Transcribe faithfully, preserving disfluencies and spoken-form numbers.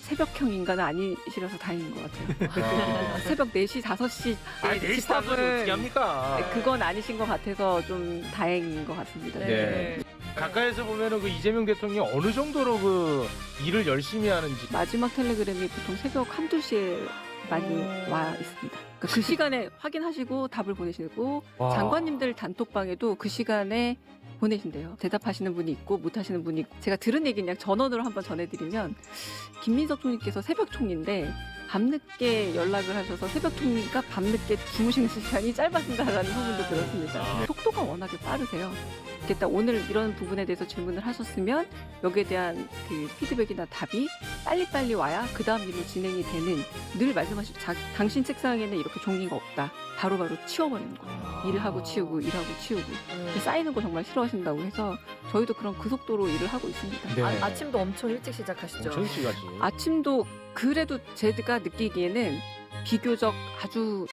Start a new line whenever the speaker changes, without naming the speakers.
새벽형 인간은 아니시라서 다행인 것 같아요.
아.
새벽 네 시, 다섯 시
아니 네 시 다섯 시 어떻게 합니까?
그건 아니신 것 같아서 좀 다행인 것 같습니다.
네. 가까이서 보면은 그 이재명 대통령이 어느 정도로 그 일을 열심히 하는지.
마지막 텔레그램이 보통 새벽 한두 시에 많이
오.
와 있습니다. 그러니까 그 시간에 확인하시고 답을 보내시고
와.
장관님들 단톡방에도 그 시간에 보내신대요. 대답하시는 분이 있고 못하시는 분이 있고. 제가 들은 얘기는 그냥 전원으로 한번 전해드리면 김민석 총리께서 새벽 총리인데 밤늦게 연락을 하셔서 새벽 총리가 밤늦게 주무시는 시간이 짧아진다라는 소문도 들었습니다.
아.
속도가 워낙에 빠르세요. 이렇게 딱 오늘 이런 부분에 대해서 질문을 하셨으면 여기에 대한 그 피드백이나 답이 빨리빨리 와야 그 다음 일로 진행이 되는, 늘 말씀하시죠. 자, 당신 책상에는 이렇게 종이가 없다. 바로바로 치워버리는 거예요.
아.
일을 하고 치우고 일하고 치우고
음.
쌓이는 거 정말 싫어하신다고 해서 저희도 그런 그 속도로 일을 하고 있습니다.
네.
아, 아침도 엄청 일찍 시작하시죠?
엄청 일찍 하지.
아침도 그래도 제가 느끼기에는 비교적 아주